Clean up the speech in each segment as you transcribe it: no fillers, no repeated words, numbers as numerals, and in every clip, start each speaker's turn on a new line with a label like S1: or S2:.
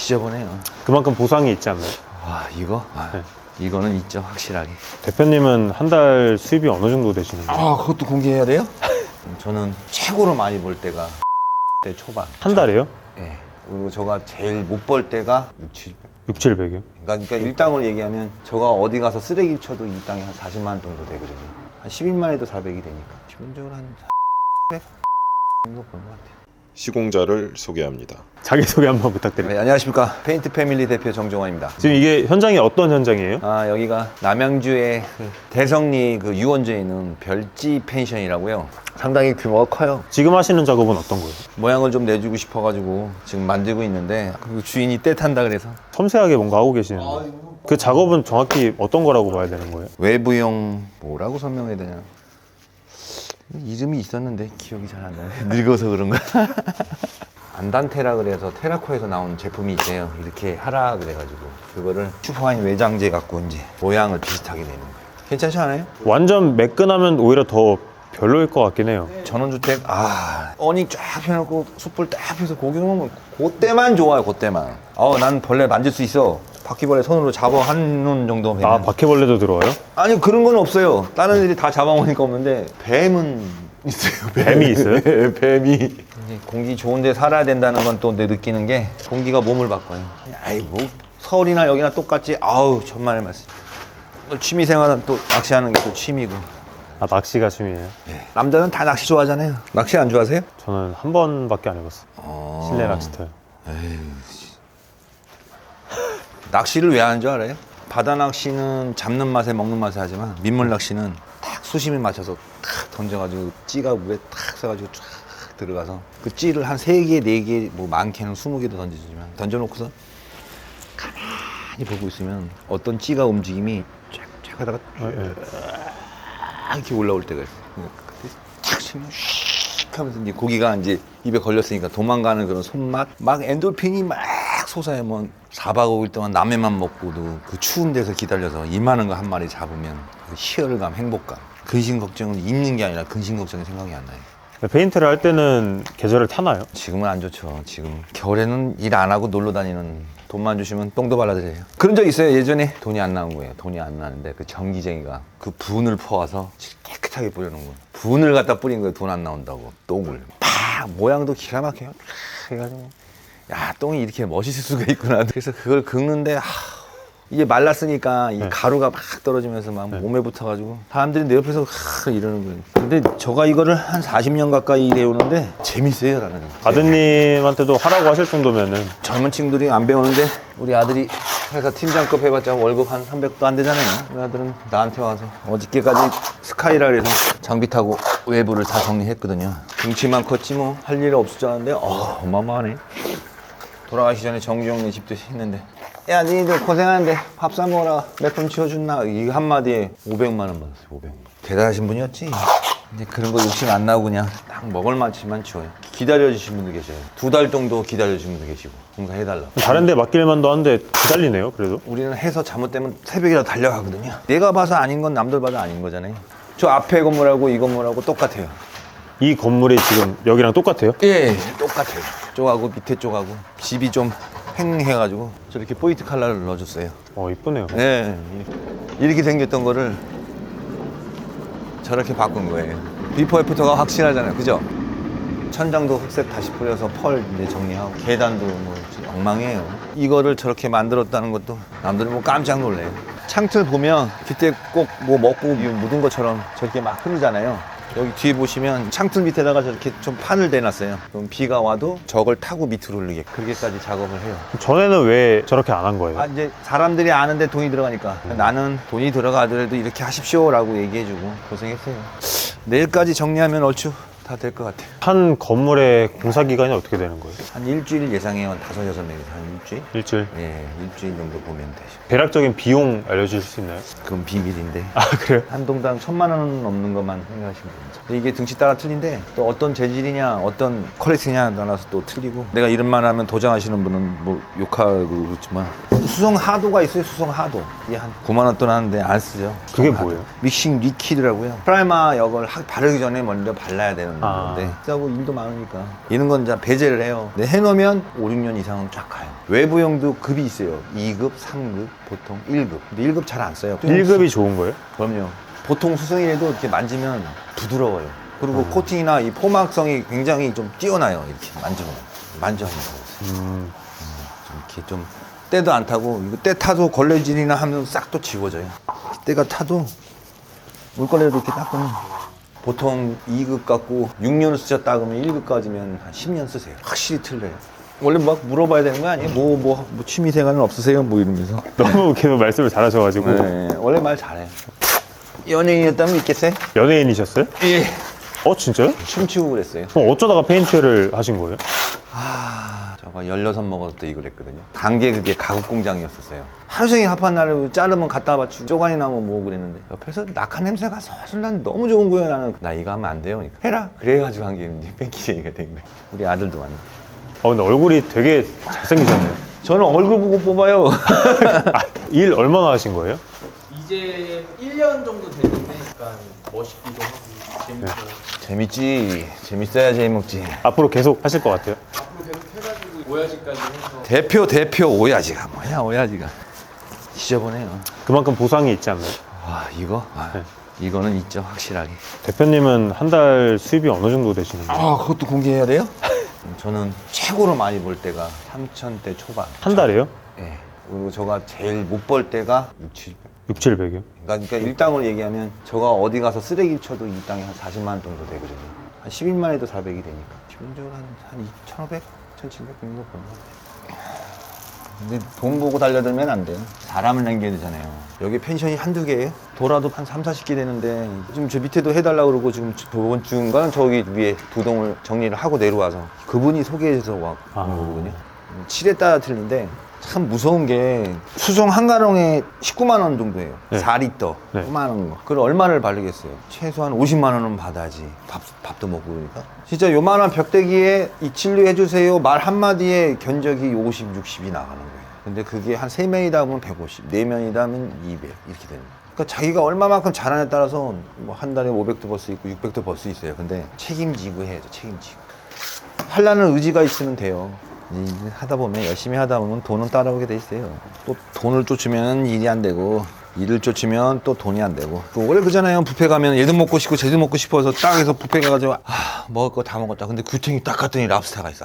S1: 지저분해요.
S2: 그만큼 보상이 있지 않나요?
S1: 와, 이거?
S2: 네.
S1: 이거는 있죠, 확실하게.
S2: 대표님은 한 달 수입이 어느 정도 되시는 거예요?
S1: 그것도 공개해야 돼요? 저는 최고로 많이 벌 때가 대 초반.
S2: 한 달에요?
S1: 예. 그리고 제가 제일 못 벌 때가 6,
S2: 700이요?
S1: 그러니까 일당으로 얘기하면 제가 어디 가서 쓰레기 쳐도 일당이 한 40만 원 정도 되거든요. 한 10일만 해도 400이 되니까 기본적으로 한 400 정도 버는 것 같아요.
S3: 시공자를 소개합니다.
S2: 자기소개 한번 부탁드립니다.
S1: 네, 안녕하십니까. 페인트 패밀리 대표 정종환입니다.
S2: 지금 이게 현장이 어떤 현장이에요?
S1: 여기가 남양주의 그 대성리 그 유원지에 있는 별지 펜션이라고요. 상당히 규모가 커요.
S2: 지금 하시는 작업은 어떤 거예요?
S1: 모양을 좀 내주고 싶어가지고 지금 만들고 있는데 그 주인이 떼탄다 그래서
S2: 섬세하게 뭔가 하고 계시는데 그 작업은 정확히 어떤 거라고 봐야 되는 거예요?
S1: 외부용 뭐라고 설명해야 되냐. 이름이 있었는데 기억이 잘 안 나네. 늙어서 그런가. 안단테라 그래서 테라코에서 나온 제품이 있어요. 이렇게 하라 그래가지고 그거를 슈퍼파인 외장재 갖고 이제 모양을 비슷하게 내는 거예요. 괜찮지 않아요?
S2: 완전 매끈하면 오히려 더 별로일 것 같긴 해요.
S1: 전원주택 어닝 쫙 펴놓고 숯불 딱 펴서 고기 먹으면 그때만 좋아요. 그때만. 난 벌레 만질 수 있어. 바퀴벌레 손으로 잡아 한 눈 정도 뱀은.
S2: 아, 바퀴벌레도 들어와요?
S1: 아니 그런 건 없어요. 다른 애들이 다 잡아먹으니까 없는데 뱀은 있어요.
S2: 뱀이 있어요?
S1: 네, 뱀이. 이제 공기 좋은데 살아야 된다는 건 또 내 느끼는 게 공기가 몸을 바꿔요. 뭐 서울이나 여기나 똑같지. 천만의 말씀. 취미생활은 또 낚시하는 게 또 취미고.
S2: 아, 낚시가 취미예요?
S1: 남자는 다 낚시 좋아하잖아요. 낚시 안 좋아하세요?
S2: 저는 한 번밖에 안 해봤어요. 실내 낚시터요.
S1: 낚시를 왜 하는 줄 알아요? 바다 낚시는 잡는 맛에 먹는 맛에 하지만 민물 낚시는 딱 수심에 맞춰서 탁 던져가지고 찌가 물에 탁 써가지고 쫙 들어가서 그 찌를 한 3개, 4개, 뭐 많게는 20개도 던지지만 던져놓고서 가만히 보고 있으면 어떤 찌가 움직임이 쫙쫙 하다가 이렇게 올라올 때가 있어요. 그때 탁 치면 휙 하면서 이제 고기가 이제 입에 걸렸으니까 도망가는 그런 손맛, 막 엔돌핀이 막 솟아요. 뭐 4박 5일 동안 라면만 먹고도 그 추운 데서 기다려서 이만한 거 한 마리 잡으면 그 희열감, 행복감. 근심 걱정은 있는 게 아니라 근심 걱정이 생각이 안 나요.
S2: 페인트를 할 때는 계절을 타나요?
S1: 지금은 안 좋죠. 지금 겨울에는 일 안 하고 놀러 다니는, 돈만 주시면 똥도 발라드려요. 그런 적 있어요. 예전에 돈이 안 나온 거예요. 돈이 안 나는데 그 전기쟁이가 그 분을 퍼와서 깨끗하게 뿌려놓은 거예요. 분을 갖다 뿌린 거예요. 돈 안 나온다고. 똥을 팍, 모양도 기가 막혀요. 팍 해가지고 야, 똥이 이렇게 멋있을 수가 있구나. 그래서 그걸 긁는데 이게 말랐으니까 이 가루가 막 떨어지면서 막 몸에 붙어가지고 사람들이 내 옆에서 이러는 거예요. 근데 저가 이거를 한 40년 가까이 일해오는데 재밌어요. 나는.
S2: 아드님한테도 하라고 하실 정도면은.
S1: 젊은 친구들이 안 배우는데 우리 아들이 회사 팀장급 해봤자 월급 한 300도 안 되잖아요. 우리 아들은 나한테 와서 어저께까지 스카이라 그래서 장비 타고 외부를 다 정리했거든요. 등치만 컸지 뭐 할 일 없을 줄 알았는데 어마어마하네. 돌아가시 전에 정주영네 집도 했는데 야 니들 고생하는데 밥 사 먹어라 몇 번 치워준나 이 한마디에 500만 원 받았어요. 500만. 대단하신 분이었지. 이제 그런 거 욕심 안 나고 그냥 딱 먹을 만치만 치워요. 기다려주신 분도 계셔요. 2달 정도 기다려주신 분도 계시고 공사해달라고.
S2: 다른 데 맡길만도 한데 기다리네요, 그래도.
S1: 우리는 해서 잘못되면 새벽이라도 달려가거든요. 내가 봐서 아닌 건 남들 봐도 아닌 거잖아요. 저 앞에 건물하고 이 건물하고 똑같아요.
S2: 이 건물이 지금 여기랑 똑같아요?
S1: 예, 똑같아요. 쪽하고 밑에 쪽하고 집이 좀 횡해가지고 저렇게 포인트 컬러를 넣어줬어요.
S2: 이쁘네요.
S1: 예, 이렇게 생겼던 거를 저렇게 바꾼 거예요. 비포 애프터가 확실하잖아요, 그죠? 천장도 흑색 다시 뿌려서 펄 이제 정리하고 계단도 뭐 엉망이에요. 이거를 저렇게 만들었다는 것도 남들은 뭐 깜짝 놀래요. 창틀 보면 그때 꼭 뭐 먹고 묻은 것처럼 저렇게 막 흐르잖아요. 여기 뒤에 보시면 창틀 밑에다가 저렇게 좀 판을 대놨어요. 그럼 비가 와도 저걸 타고 밑으로 흐르게 그렇게까지 작업을 해요.
S2: 전에는 왜 저렇게 안 한 거예요?
S1: 이제 사람들이 아는데 돈이 들어가니까 나는 돈이 들어가더라도 이렇게 하십시오라고 얘기해주고 고생했어요. 내일까지 정리하면 얼추 다 될 것 같아요.
S2: 한 건물의 공사 기간이 어떻게 되는 거예요?
S1: 한 일주일 예상해요. 한 5-6명이서 한 일주일?
S2: 일주일?
S1: 예, 일주일 정도 보면 되죠.
S2: 대략적인 비용 알려주실 수 있나요?
S1: 그건 비밀인데.
S2: 아, 그래요?
S1: 한 동당 1,000만 원 넘는 것만 생각하시면 됩니다. 이게 등치 따라 틀린데 또 어떤 재질이냐 어떤 퀄리티냐 따라서 또 틀리고 내가 이름만 하면 도장하시는 분은 뭐 욕하고 그렇지만 수성 하도가 있어요. 수성 하도 이게 한 9만 원 돈 하는데 안 쓰죠.
S2: 그게
S1: 수성 하도.
S2: 뭐예요?
S1: 믹싱 리퀴드라고요. 프라이머 역을 바르기 전에 먼저 발라야 되는
S2: 아.
S1: 네. 싸고 일도 많으니까. 이런 건 이제 배제를 해요. 네, 해놓으면 5, 6년 이상은 쫙 가요. 외부형도 급이 있어요. 2급, 3급, 보통 1급. 근데 1급 잘 안 써요.
S2: 1급이 좋은 거예요?
S1: 그럼요. 보통 수성이라도 이렇게 만지면 부드러워요. 그리고 코팅이나 이 포막성이 굉장히 좀 뛰어나요. 이렇게 만져보면. 좀 이렇게 좀 때도 안 타고, 이거 때 타도 걸레질이나 하면 싹 또 지워져요. 때가 타도 물걸레로 이렇게 닦으면 보통 2급 갖고 6년을 쓰셨다 그러면 1급까지면 한 10년 쓰세요. 확실히 틀려요. 원래 막 물어봐야 되는 거 아니에요? 뭐 취미생활은 없으세요? 뭐 이러면서.
S2: 너무 계속 말씀을 잘하셔가지고.
S1: 네, 원래 말 잘해요. 연예인이었다면 믿겠어요?
S2: 연예인이셨어요?
S1: 예.
S2: 진짜요?
S1: 춤추고 그랬어요.
S2: 그럼 어쩌다가 페인트를 하신 거예요?
S1: 저가 16 먹었을 때 이걸 했거든요. 단계 그게 가구 공장이었었어요. 하루 종일 합한 날에 자르면 갖다 바치고 쪼가니 나면 뭐 그랬는데 옆에서 낙한 냄새가 솔솔 나는 너무 좋은 거예요. 나는 나 이거 하면 안 돼요. 그러니까 해라. 그래가지고 한 게 뺑기쟁이가 된 거예요. 우리 아들도 왔네.
S2: 근데 얼굴이 되게 잘생기셨네요.
S1: 저는 얼굴 보고 뽑아요.
S2: 일 얼마나 하신 거예요?
S4: 이제 1년 정도 됐는데 약간 멋있기도 하고 재밌고
S1: 재밌지. 재밌어야 재미먹지.
S2: 앞으로 계속 하실 것 같아요?
S4: 앞으로 계속 해가지고 오야지까지 해서
S1: 대표 오야지가 뭐야 오야지가. 지저분해요.
S2: 그만큼 보상이 있지 않나요?
S1: 와 이거?
S2: 네.
S1: 이거는 있죠 확실하게.
S2: 대표님은 한 달 수입이 어느 정도 되시는 거예요?
S1: 그것도 공개해야 돼요? 저는 최고로 많이 벌 때가 3,000대 초반.
S2: 한 달에요?
S1: 예. 그리고 제가 제일 못 벌 때가 6, 700.
S2: 6, 700이요?
S1: 그러니까 일당을 얘기하면 제가 어디 가서 쓰레기 쳐도 일당이 한 40만 원 정도 되거든요. 한 10일만 해도 400이 되니까. 기본적으로 한 1,500, 1,700 정도 버는 것 같아요. 근데 돈 보고 달려들면 안 돼요. 사람을 남겨야 되잖아요. 여기 펜션이 한두 개예요? 돌아도 한 3, 40개 되는데 지금 저 밑에도 해달라고 그러고 지금 저번 주인가는 저기 위에 두 동을 정리를 하고 내려와서 그분이 소개해서 와 온 거거든요. 칠에 따라 틀린데 참 무서운 게 수송 한 가롱에 19만 원 정도예요.
S2: 네.
S1: 4리터.
S2: 네.
S1: 조그마한 거. 그걸 얼마를 바르겠어요? 최소한 50만 원은 받아야지. 밥도 먹고 그러니까. 진짜 요만한 벽대기에 이 진료 해주세요. 말 한마디에 견적이 50, 60이 나가는 거예요. 근데 그게 한 3명이다 보면 150, 4명이다 하면 200 이렇게 되는 거예요. 그러니까 자기가 얼마만큼 잘하냐에 따라서 뭐 한 달에 500도 벌 수 있고 600도 벌 수 있어요. 근데 책임지고 해야죠. 책임지고. 하려는 의지가 있으면 돼요. 일 하다 보면 열심히 하다 보면 돈은 따라오게 돼 있어요. 또 돈을 쫓으면 일이 안 되고 일을 쫓으면 또 돈이 안 되고. 또 원래 그잖아요. 뷔페 가면 얘도 먹고 싶고 쟤도 먹고 싶어서 딱에서 뷔페 가가지고 먹을 거 다 먹었다. 근데 규탱이 딱 갔더니 랍스타가 있어.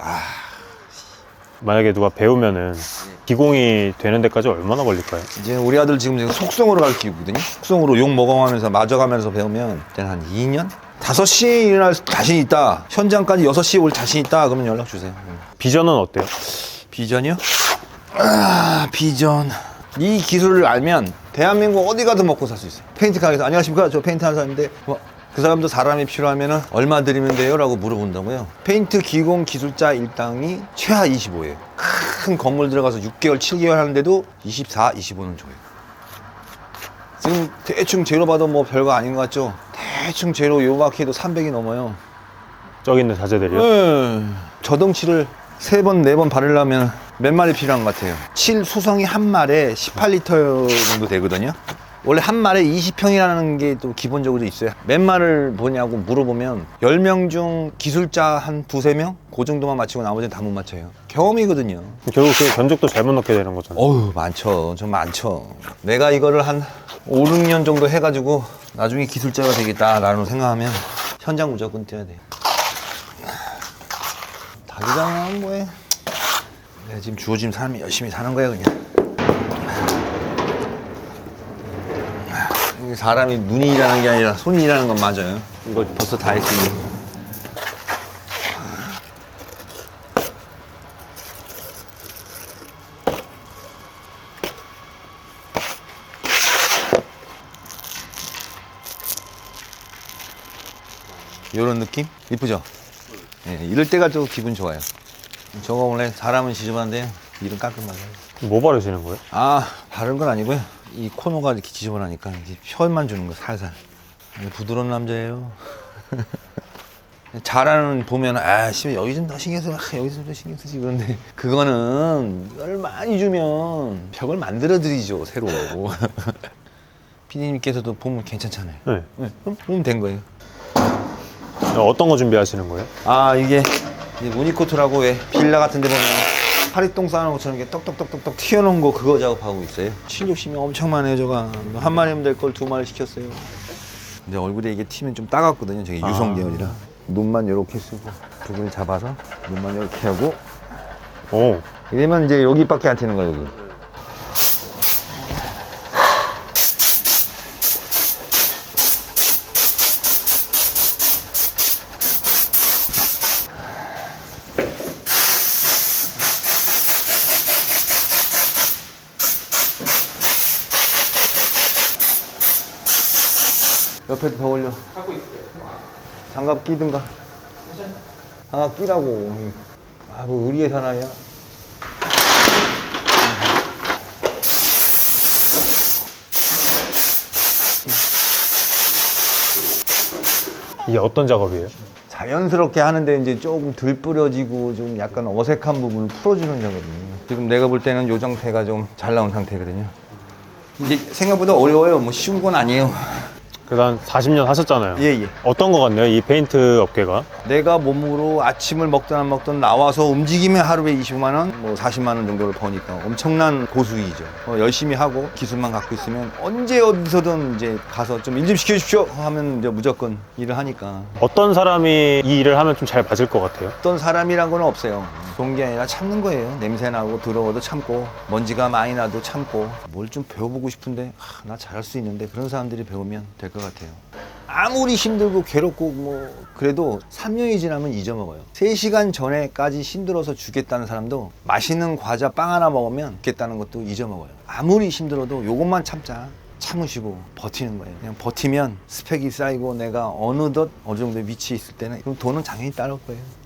S2: 만약에 누가 배우면은 기공이 되는 데까지 얼마나 걸릴까요?
S1: 이제 우리 아들 지금 속성으로 가르치거든요. 속성으로 욕 먹어가면서 맞아가면서 배우면 그때는 한 2년? 5시에 일어날 자신 있다. 현장까지 6시에 올 자신 있다. 그러면 연락 주세요.
S2: 비전은 어때요?
S1: 비전이요? 비전. 이 기술을 알면 대한민국 어디 가도 먹고 살 수 있어요. 페인트 가게에서 안녕하십니까? 저 페인트 하는 사람인데 그 사람도 사람이 필요하면 얼마 드리면 돼요? 라고 물어본다고요. 페인트 기공 기술자 일당이 최하 25예요. 큰 건물 들어가서 6개월, 7개월 하는데도 24, 25는 줘요. 지금 대충 재료 봐도 뭐 별거 아닌 것 같죠? 대충 재료 요만큼 해도 300이 넘어요.
S2: 저기 있는 자재들이요?
S1: 네. 저덩치를 3번, 4번 바르려면 몇 마리 필요한 것 같아요? 칠 수성이 한 말에 18리터 정도 되거든요. 원래 한 말에 20평이라는 게 또 기본적으로 있어요. 몇 말을 보냐고 물어보면 10명 중 기술자 한 2, 3명? 그 정도만 맞히고 나머지는 다 못 맞춰요. 경험이거든요.
S2: 결국 그 견적도 잘못 넣게 되는 거잖아요.
S1: 어휴, 많죠. 좀 많죠. 내가 이거를 한 5, 6년 정도 해가지고 나중에 기술자가 되겠다라는 생각하면 현장 무조건 뛰어야 돼요. 닭이잖아, 뭐해. 내가 지금 주어진 삶이 열심히 사는 거야, 그냥. 사람이 눈이 일하는 게 아니라 손이 일하는 건 맞아요. 이거 벌써 다 했으니. 이런 느낌? 이쁘죠? 예, 이럴 때가 좀 기분 좋아요. 저거 원래 사람은 지저분한데 일은 깔끔하게.
S2: 뭐 바르시는 거예요?
S1: 바른 건 아니고요. 이 코너가 이렇게 지저분하니까 이제 펴만 주는 거 살살. 부드러운 남자예요. 잘하는 보면 씨 여기 좀 더 신경 써, 여기 좀 더 신경 쓰지 그런데 그거는 이걸 많이 주면 벽을 만들어 드리죠 새로. 피디님께서도 보면 괜찮잖아요.
S2: 네.
S1: 네, 그럼 보면 된 거예요.
S2: 어떤 거 준비하시는 거예요?
S1: 아 이게 무늬코트라고 왜 빌라 같은 데 보면 파리똥 쌓아놓은 것처럼 이렇게 떡떡떡떡떡 튀어나온 거 그거 작업하고 있어요. 실욕심이 엄청 많아요. 저가 한 마리면 될 걸 2마리 시켰어요. 근데 얼굴에 이게 튀면 좀 따갑거든요. 저게 유성 계열이라 눈만 이렇게 쓰고 부분을 잡아서 눈만 이렇게 하고
S2: 오.
S1: 이러면 이제 여기밖에 안 튀는 거예요. 여기. 옆에도 더 올려.
S4: 하고 있어요.
S1: 장갑 끼든가. 장갑 끼라고. 아, 뭐 의리의 사나이야.
S2: 이게 어떤 작업이에요?
S1: 자연스럽게 하는데 이제 조금 덜 뿌려지고 좀 약간 어색한 부분을 풀어주는 작업이에요. 지금 내가 볼 때는 요 상태가 좀 잘 나온 상태거든요. 이제 생각보다 어려워요. 뭐 쉬운 건 아니에요.
S2: 그래도 한 40년 하셨잖아요.
S1: 예, 예.
S2: 어떤 거 같네요, 이 페인트 업계가?
S1: 내가 몸으로 아침을 먹든 안 먹든 나와서 움직이면 하루에 25만 원, 뭐 40만 원 정도를 버니까 엄청난 고수익이죠. 열심히 하고 기술만 갖고 있으면 언제 어디서든 이제 가서 좀 일 좀 시켜주십시오 하면 이제 무조건 일을 하니까.
S2: 어떤 사람이 이 일을 하면 좀 잘 맞을 것 같아요?
S1: 어떤 사람이란 건 없어요. 좋은 게 아니라 참는 거예요. 냄새 나고 더러워도 참고 먼지가 많이 나도 참고 뭘 좀 배워보고 싶은데 나 잘할 수 있는데 그런 사람들이 배우면 될 것 같아요. 아무리 힘들고 괴롭고 뭐 그래도 3년이 지나면 잊어먹어요. 3시간 전에까지 힘들어서 죽겠다는 사람도 맛있는 과자 빵 하나 먹으면 죽겠다는 것도 잊어먹어요. 아무리 힘들어도 요것만 참자. 참으시고 버티는 거예요. 그냥 버티면 스펙이 쌓이고 내가 어느덧 어느 정도 위치에 있을 때는 그럼 돈은 당연히 따를 거예요.